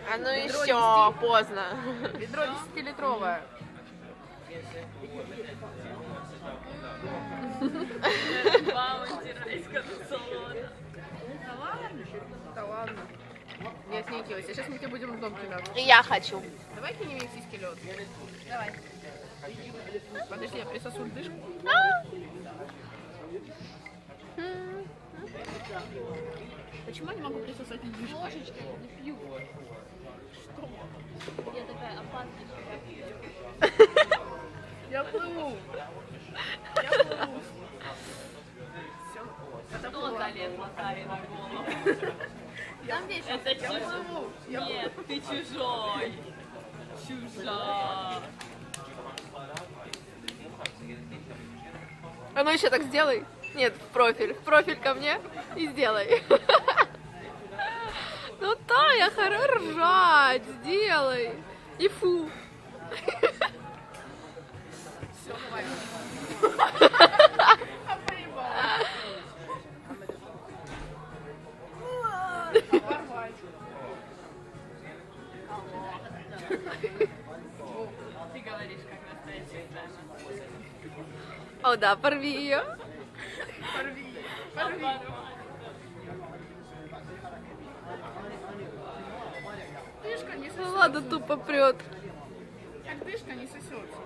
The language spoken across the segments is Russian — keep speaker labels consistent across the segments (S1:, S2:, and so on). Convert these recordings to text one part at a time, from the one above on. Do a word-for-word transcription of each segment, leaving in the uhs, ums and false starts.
S1: А ну еще, поздно.
S2: Ведро десятилитровое. Да ладно. Не отнекивайся, сейчас мы тебе будем в дом кидаться.
S1: И я хочу.
S2: Давай кинем мексийский лед. Давай. Подожди, я присосу льдышку. Почему я не могу присосать льдышку?
S3: Ложечкой не пью. Что? Я такая опасная.
S2: Я плыву. Я плыву. Все. Это
S3: Кто залез Лотаре на голову?
S2: Я здесь.
S3: Это
S2: Я плыву. Я
S3: Нет, ты чужой. Чужа.
S1: А ну еще так сделай. Нет, в профиль. В профиль ко мне и сделай. Ну Тая, хорош ржать. Сделай. И фу.
S2: Все, давай.
S3: Ты говоришь, как настоящая Саша.
S1: О да, порви ее.
S2: Порви. Порви. Дышка не
S1: Ну
S2: сосется.
S1: ладно, тупо прет.
S2: Как дышка не сосется.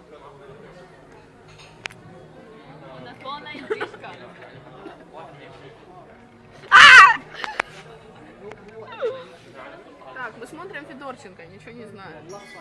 S3: У нас полная дышка.
S2: Так, мы смотрим Федорченко, ничего не знаю.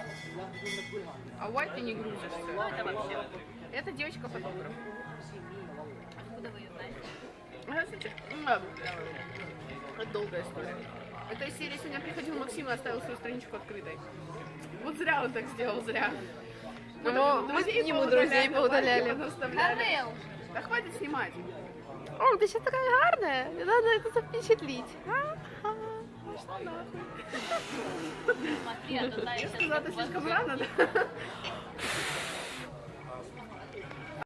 S2: А White ты не грузишься.
S3: Что это вообще?
S2: Это девочка-фотограф.
S3: Откуда вы ее знаете?
S2: А, кстати, м, Это долгая история. Это из серии сегодня приходил Максим и оставил свою страничку открытой. Вот зря он так сделал, зря.
S1: Ну, мы к нему друзей поудаляли.
S3: Карел!
S2: Да хватит снимать.
S1: О, ты сейчас такая гарная. Надо это запечатлить.
S3: Смотри, а то Тая
S2: Я
S3: сейчас
S2: сказала, это слишком рано, да?